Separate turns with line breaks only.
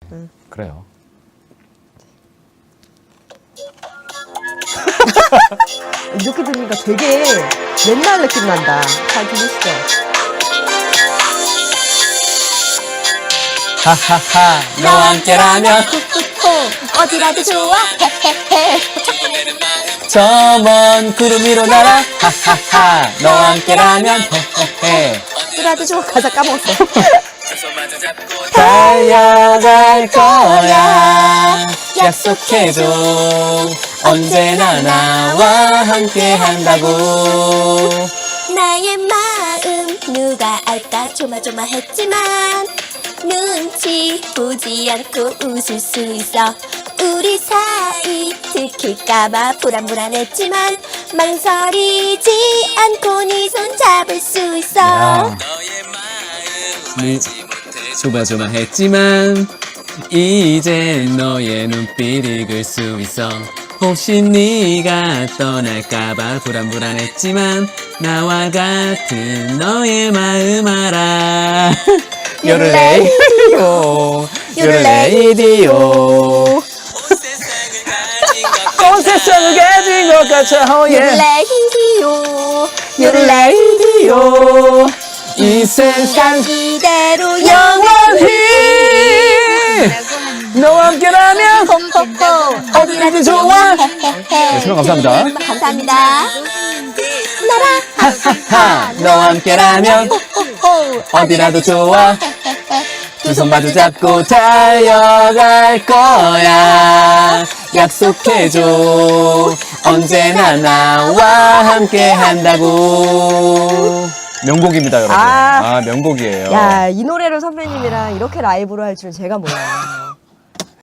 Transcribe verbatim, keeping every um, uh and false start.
응.
그래요.
이렇게 들으니까 되게 옛날 느낌 난다. 잘 들으시죠?
하하하 너와 함께라면
어디라도 좋아 헤헤헤
저 먼 구름 위로 날아 하하하 너와 함께라면 헤헤헤
어디라도 좋아. 가사 까먹었어.
달려갈 거야 약속해줘 언제나 나와 함께 한다고
나의 마음 누가 알까 조마조마했지만 눈치 보지 않고 웃을 수 있어 우리 사이 들킬까봐 불안불안했지만 망설이지 않고 네 손 잡을 수 있어
야. 네, 조마조마했지만 이제 너의 눈빛 읽을 수 있어 혹시 네가 떠날까봐 불안불안했지만 나와 같은 너의 마음 알아 요르레이디오 요르레이디오 온 세상을 가진 것 같아 oh yeah.
요르레이디오
요르레이디오 이 세상
이대로
영원히 너와 함께라면
호호호
어디라도 좋아 네, 설명 감사합니다
감사합니다 나라
하하하 너와 함께라면
호호호
어디라도 좋아 두 손 마주 잡고 달려갈 거야 약속해줘 언제나 나와 함께 한다고 명곡입니다 여러분
아.
아 명곡이에요
야, 이 노래를 선배님이랑 이렇게 라이브로 할 줄은 제가 몰라요.